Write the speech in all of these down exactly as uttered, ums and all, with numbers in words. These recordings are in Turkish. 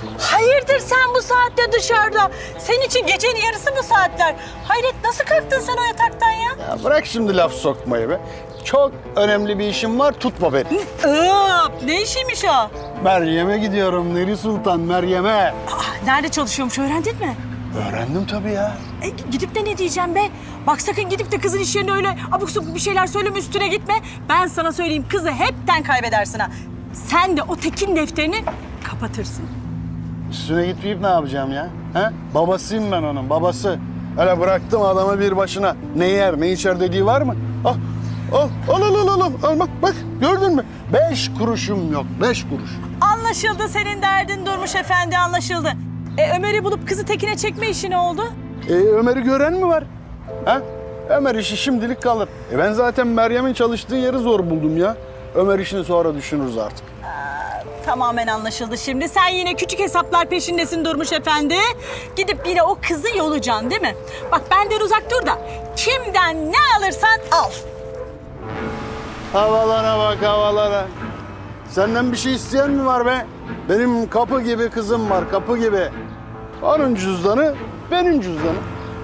Hayırdır sen bu saatte dışarıda? Senin için gecenin yarısı bu saatler. Hayret nasıl kalktın sen o yataktan ya? Ya bırak şimdi laf sokmayı be. Çok önemli bir işim var, tutma beni. Iıp, ne işiymiş o? Meryem'e gidiyorum, Neri Sultan, Meryem'e. Aa, nerede çalışıyormuş öğrendin mi? Öğrendim tabii ya. E, gidip de ne diyeceğim be? Bak sakın gidip de kızın iş yerine öyle abuk sabuk bir şeyler söyleme, üstüne gitme. Ben sana söyleyeyim, kızı hepten kaybedersin ha. Sen de o tekin defterini kapatırsın. Üstüne gitmeyip ne yapacağım ya? He? Babasıyım ben onun, babası. Öyle bıraktım adamı bir başına. Ne yer, ne içer dediği var mı? Al, al, al, al, al, al, al bak, bak. Gördün mü? Beş kuruşum yok, beş kuruş. Anlaşıldı, senin derdin Durmuş Efendi, anlaşıldı. E, Ömer'i bulup kızı tekine çekme işi ne oldu? E, Ömer'i gören mi var? Ha? Ömer işi şimdilik kalır. E, ben zaten Meryem'in çalıştığı yeri zor buldum ya. Ömer işini sonra düşünürüz artık. Tamamen anlaşıldı şimdi. Sen yine küçük hesaplar peşindesin Durmuş Efendi. Gidip yine o kızı yolacaksın değil mi? Bak benden uzak dur da kimden ne alırsan al. Havalara bak havalara. Senden bir şey isteyen mi var be? Benim kapı gibi kızım var, kapı gibi. Onun cüzdanı, benim cüzdanım.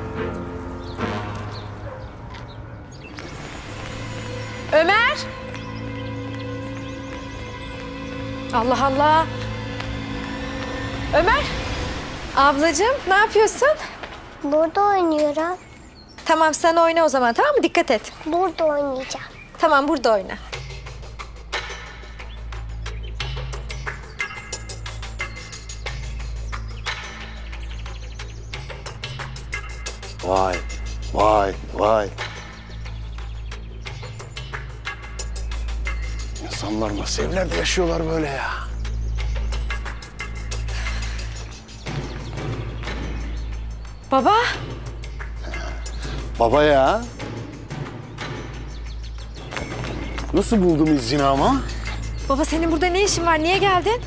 Ömer! Allah Allah! Ömer! Ablacığım ne yapıyorsun? Burada oynuyorum. Tamam sen oyna o zaman, tamam mı? Dikkat et. Burada oynayacağım. Tamam burada oyna. Vay, vay, vay. İnsanlar nasıl evlerde yaşıyorlar böyle ya? Baba! Baba ya. Nasıl buldum izini ama? Baba senin burada ne işin var? Niye geldin?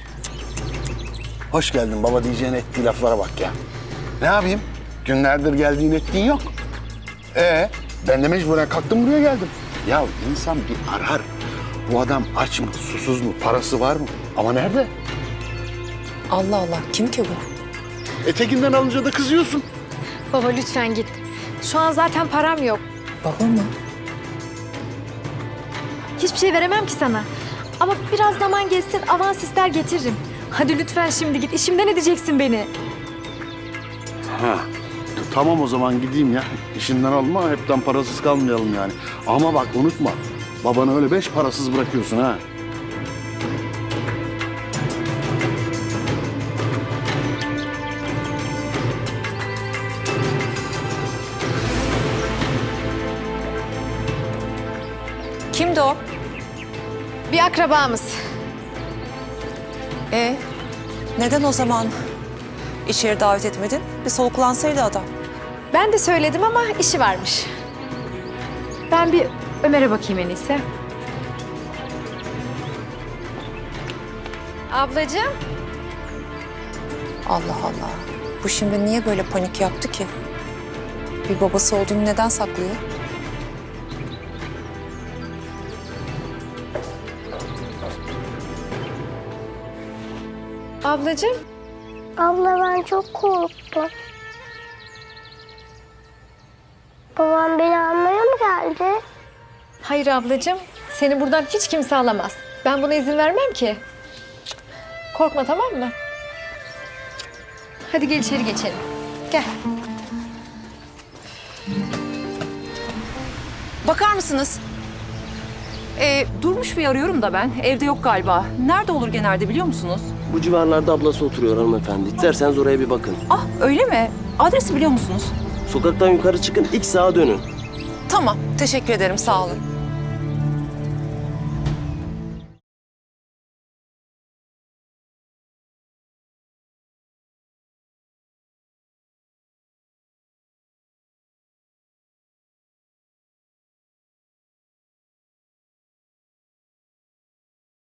Hoş geldin baba diyeceğin ettiği laflara bak ya. Ne yapayım? Günlerdir geldiğin ettiğin yok. Ee, ben de mecburen kalktım buraya geldim. Ya insan bir arar. Bu adam aç mı, susuz mu, parası var mı? Ama nerede? Allah Allah, kim ki bu? Etekinden alınca da kızıyorsun. Baba lütfen git. Şu an zaten param yok. Baba mı? Hiçbir şey veremem ki sana. Ama biraz zaman geçsin, avans ister getiririm. Hadi lütfen şimdi git. İşimden edeceksin beni. Ha, tamam o zaman gideyim ya. İşinden alma, hepten parasız kalmayalım yani. Ama bak unutma, babanı öyle beş parasız bırakıyorsun ha. Kimdi o? Bir akrabamız. E neden o zaman içeri davet etmedin? Bir soluklansaydı adam. Ben de söyledim ama işi varmış. Ben bir Ömer'e bakayım en iyisi. Ablacığım. Allah Allah. Bu şimdi niye böyle panik yaptı ki? Bir babası olduğunu neden saklıyor? Ablacığım. Abla ben çok korktum. Babam beni almaya mı geldi? Hayır ablacığım. Seni buradan hiç kimse alamaz. Ben buna izin vermem ki. Korkma tamam mı? Hadi gel içeri geçelim. Gel. Bakar mısınız? Ee, Durmuş Bey arıyorum da ben. Evde yok galiba. Nerede olur genelde biliyor musunuz? Bu civarlarda ablası oturuyor hanımefendi. İsterseniz oraya bir bakın. Ah öyle mi? Adresi biliyor musunuz? Sokaktan yukarı çıkın, ilk sağa dönün. Tamam. Teşekkür ederim. Sağ olun.